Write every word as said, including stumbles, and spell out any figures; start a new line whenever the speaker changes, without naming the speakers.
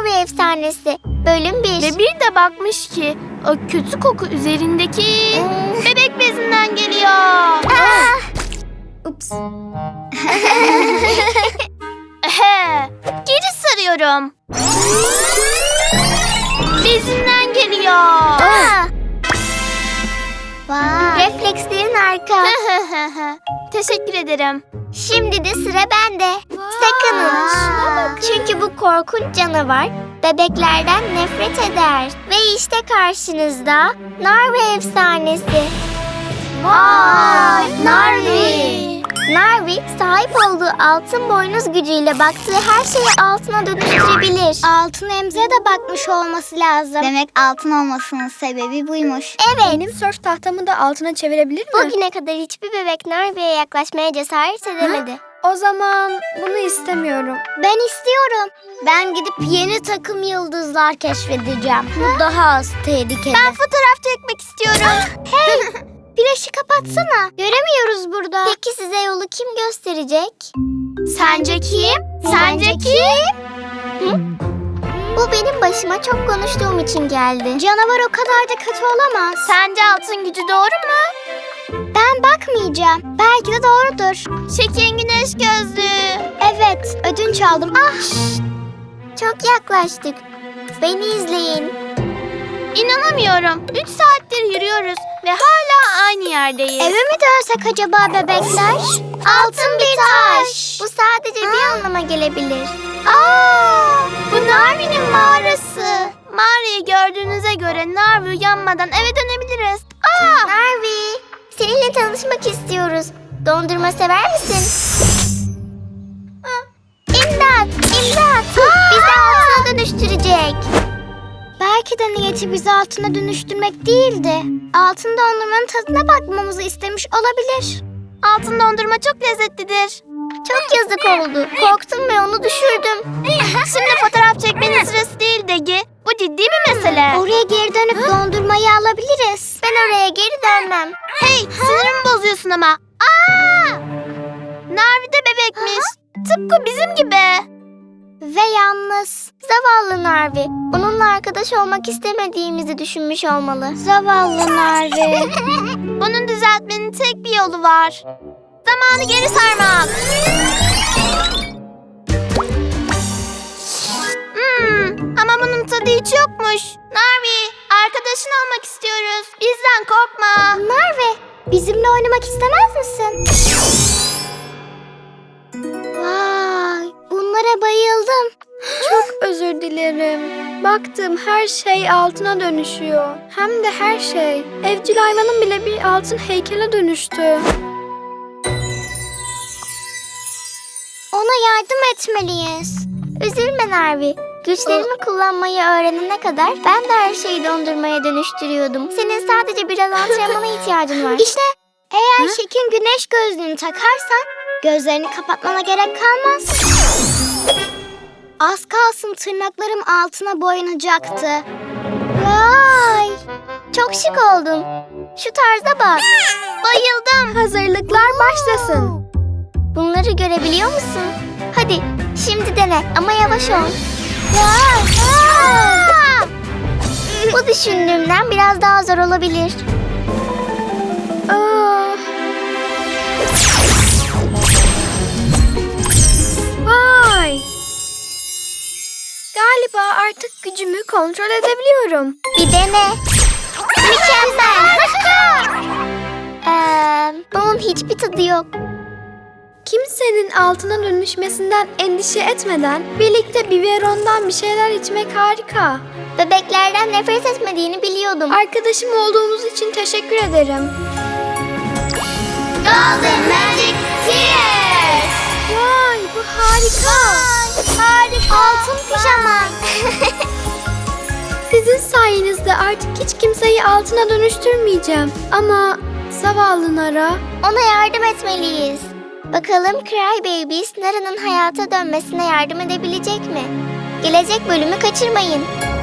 Narvi Efsanesi Bölüm bir.
Ve bir de bakmış ki o kötü koku üzerindeki
Hmm.
bebek bezinden geliyor.
Ah!
Ups.
Ehe, geri sarıyorum. Bezinden geliyor.
Ah!
Vay.
Reflekslerin harika.
Teşekkür ederim.
Şimdi de sıra bende. Sakının.
Aa.
Çünkü bu korkunç canavar bebeklerden nefret eder. Ve işte karşınızda Narvi Efsanesi.
Vay, Narvi.
Narvi sahip olduğu altın boynuz gücüyle baktığı her şeyi altına dönüştürebilir.
Altın emziğe de bakmış olması lazım. Demek altın olmasının sebebi buymuş.
Evet.
Benim sörf tahtamı da altına çevirebilir mi?
Bugüne kadar hiçbir bebek Narvi'ye yaklaşmaya cesaret edemedi.
O zaman bunu istemiyorum.
Ben istiyorum. Ben gidip yeni takım yıldızlar keşfedeceğim. Bu daha az tehlikeli.
Ben fotoğraf çekmek istiyorum.
Hey! Flaşı kapatsana. Göremiyoruz burada.
Peki size yolu kim gösterecek?
Sence kim? Sence kim?
Bu benim başıma çok konuştuğum için geldi.
Canavar o kadar da kötü olamaz.
Sence altın gücü doğru mu?
Ben bakmayacağım. Belki de doğrudur.
Şekerin güneş gözlüğü.
Evet, ödünç aldım. Ah!
Çok yaklaştık. Beni izleyin.
İnanamıyorum. Üç saattir yürüyoruz ve hala aynı yerdeyiz.
Eve mi dönsek acaba bebekler?
Altın bir taş. Bu sadece bir anlama gelebilir.
Aa!
Bu Narvi'nin mağarası. Mağarayı gördüğünüze göre Narvi uyanmadan eve dönebiliriz. Aa!
Narvi, seninle tanışmak istiyoruz. Dondurma sever misin? İmdat, imdat. Bizi altına dönüştürecek.
Belki de niyeti bizi altına dönüştürmek değildi. Altın dondurmanın tadına bakmamızı istemiş olabilir.
Altın dondurma çok lezzetlidir.
Çok yazık oldu. Korktum ve onu düşürdüm.
Şimdi fotoğraf çekmenin sırası değil Degi. Bu ciddi bir mesele.
Oraya geri dönüp dondurmayı alabiliriz.
Ben oraya geri dönmem.
Hey, sinirimi bozuyorsun ama. Aa! Narvi de bebekmiş. Tıpkı bizim gibi.
Ve yalnız.
Zavallı Narvi. Onunla arkadaş olmak istemediğimizi düşünmüş olmalı.
Zavallı Narvi.
Bunu düzeltmenin tek bir yolu var. Zamanı geri sarmak. Hmm, ama bunun tadı hiç yokmuş. Narvi, arkadaşın olmak istiyoruz. Bizden korkma.
Narvi, bizimle oynamak istemez misin? Vay, bunlara bayıldım.
Çok özür dilerim. Baktım her şey altına dönüşüyor. Hem de her şey. Evcil hayvanın bile bir altın heykele dönüştü.
Ona yardım etmeliyiz.
Üzülme Narvi. Güçlerimi kullanmayı öğrenene kadar ben de her şeyi dondurmaya dönüştürüyordum. Senin sadece biraz antrenmana ihtiyacın var.
İşte eğer Şekin güneş gözlüğünü takarsan gözlerini kapatmana gerek kalmaz. Az kalsın tırnaklarım altına boyanacaktı.
Vay! Çok şık oldun. Şu tarza bak.
Bayıldım. Hazırlıklar başlasın.
Bunları görebiliyor musun? Hadi şimdi dene ama yavaş ol.
Aa!
Bu düşündüğümden biraz daha zor olabilir.
Ah. Vay! Galiba artık gücümü kontrol edebiliyorum.
Bir dene. Mükemmel. ee, bunun hiçbir tadı yok.
Kimsenin altına dönüşmesinden endişe etmeden birlikte biberondan bir şeyler içmek harika.
Bebeklerden nefret etmediğini biliyordum.
Arkadaşım olduğumuz için teşekkür ederim.
Golden Magic Tears.
Vay, bu harika.
Harika. Altın pijama.
Sizin sayenizde artık hiç kimseyi altına dönüştürmeyeceğim. Ama zavallı Nara.
Ona yardım etmeliyiz. Bakalım Cry Babies Nara'nın hayata dönmesine yardım edebilecek mi? Gelecek bölümü kaçırmayın.